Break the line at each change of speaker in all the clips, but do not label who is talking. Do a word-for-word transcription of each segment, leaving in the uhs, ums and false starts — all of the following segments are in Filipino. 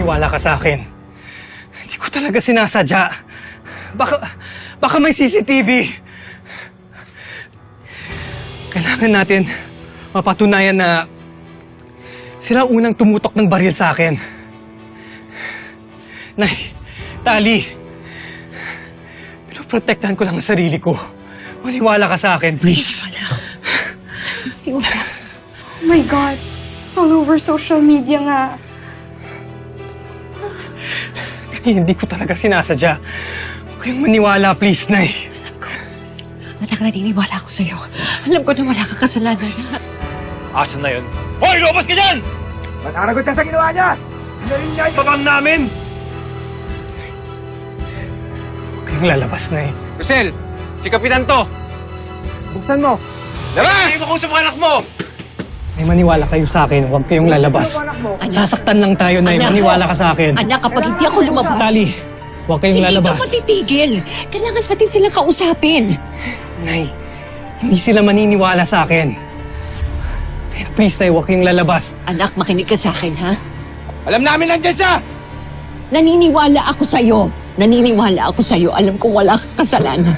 maniwala ka sa akin. Hindi ko talaga sinasadya. Baka, baka may C C T V. Kailangan natin mapatunayan na sila ang unang tumutok ng baril sa akin. Nay, Tali, pinoprotektahan ko lang ang sarili ko. Maniwala ka sa akin, please.
Oh my God. It's all over social media nga.
Hindi ko talaga sinasadya. Huwag kayong maniwala, please, Nay.
Anak, naniniwala ako sa'yo. Alam ko na wala kang kasalanan.
Asan na yun? Hoy, lumabas ka dyan!
Mataragot ka sa ginawa niya! Hinarin niya yung
Babang namin!
Huwag kayong lalabas, Nay.
Rosel, si Kapitan to.
buksan mo!
Labas! Hindi mo kausap ang anak mo!
Nay, maniwala kayo sa akin. Huwag kayong lalabas.
Anak.
Sasaktan lang tayo, Nay.
Anak.
Maniwala ka sa akin.
Anak, kapag hindi ako lumabas...
Tali, huwag kayong lalabas.
Hindi ka matitigil. Kailangan natin silang kausapin.
Nay, hindi sila maniniwala sa akin. Kaya please, Nay, huwag kayong lalabas.
Anak, makinig ka sa akin, ha?
Alam namin nandiyan siya!
Naniniwala ako sa'yo. Naniniwala ako sa'yo. Alam kong wala kang kasalanan.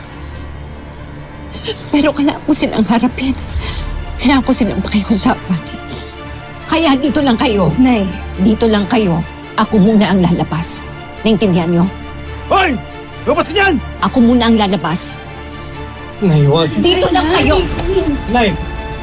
Pero kailangan ko silang harapin. Kailangan ko silang pakiusapan. Kaya dito lang kayo.
Nay.
Dito lang kayo. Ako muna ang lalabas. Naintindihan niyo?
Hoy! Lumabas ka dyan!
Ako muna ang lalabas.
Nay, huwag.
Dito lang kayo.
Nay!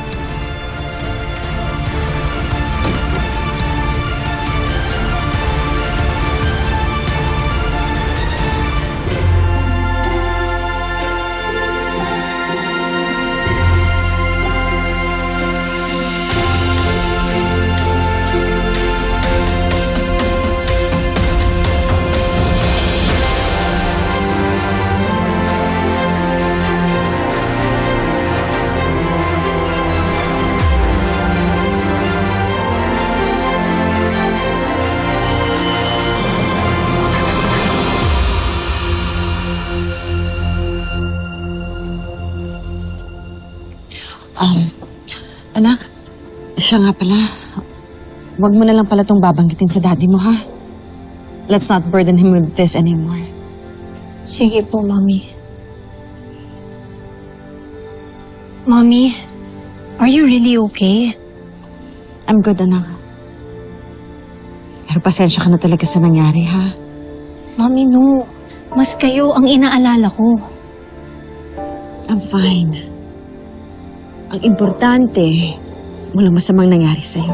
Um, anak, siya nga pala. Huwag mo na lang pala itong babanggitin sa daddy mo, ha? Let's not burden him with this anymore.
Sige po, Mami. Mami, are you really okay?
I'm good, anak. Pero pasensya ka na talaga sa nangyari, ha?
Mami, no. Mas kayo ang inaalala ko.
I'm fine. Ang importante, walang masamang nangyari sa'yo.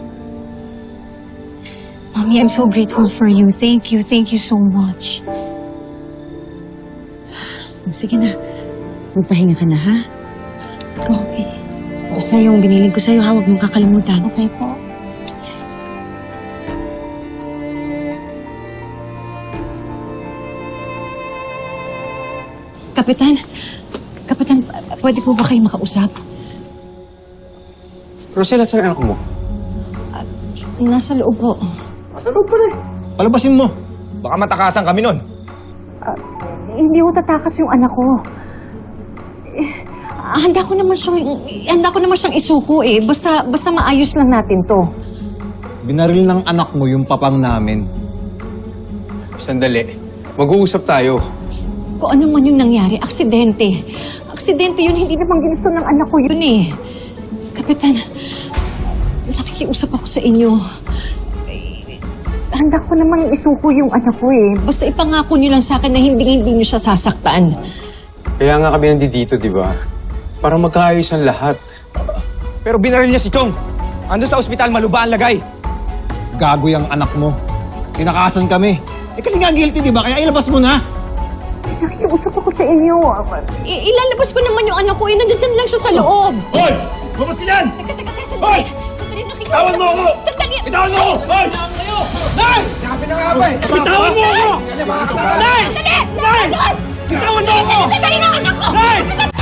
Mami, I'm so grateful for you. Thank you. Thank you so much.
Sige na. Magpahinga ka na, ha?
Okay.
Basta yung biniling ko sa'yo, ha? Huwag mong kakalimutan.
Okay po.
Kapitan, Kapitan, pwede po ba kayo makausap?
Rosel, saan ang anak mo?
Nasa loob po.
Palabasin mo! Baka matakasan kami nun.
Hindi ko tatakas yung anak ko. Eh, handa ko naman siyang, handa ko naman siyang isuko eh. Basta, basta maayos lang natin to.
Binaril ng anak mo yung papang namin.
Sandali. Mag-uusap tayo.
Kung ano man yung nangyari, aksidente. Aksidente yun, hindi naman ginusto ng anak ko yun eh. Kapitan, nakikiusap ako sa inyo. Handa ko namang isuko yung anak ko eh. Basta ipangako niyo lang sa akin na hindi-hindi niyo siya sasaktan.
Kaya nga kami nandito, di ba? Para magkaayos ang lahat.
Pero binaril niya si Chong. Ando sa ospital, maluba ang lagay. Gago yung anak mo. Tinakasan kami. Eh kasi nga guilty, di ba? Kaya ilabas mo na.
Nakikiusap ako sa inyo. I- ilalabas ko naman yung anak ko eh. Nandiyan lang siya sa loob.
Hoy! Lumabas ka dyan!
Teka, teka, teka,
Hoy!
sandali. Sandali, nakikiusap.
Bitawan mo ako!
Sandali.
Bitawan mo ako! Hoy! Nay! Bitawan mo ako! Nay!
Sandali!
Nay! Bitawan mo ako!
Sandali ng anak ko!
Nay!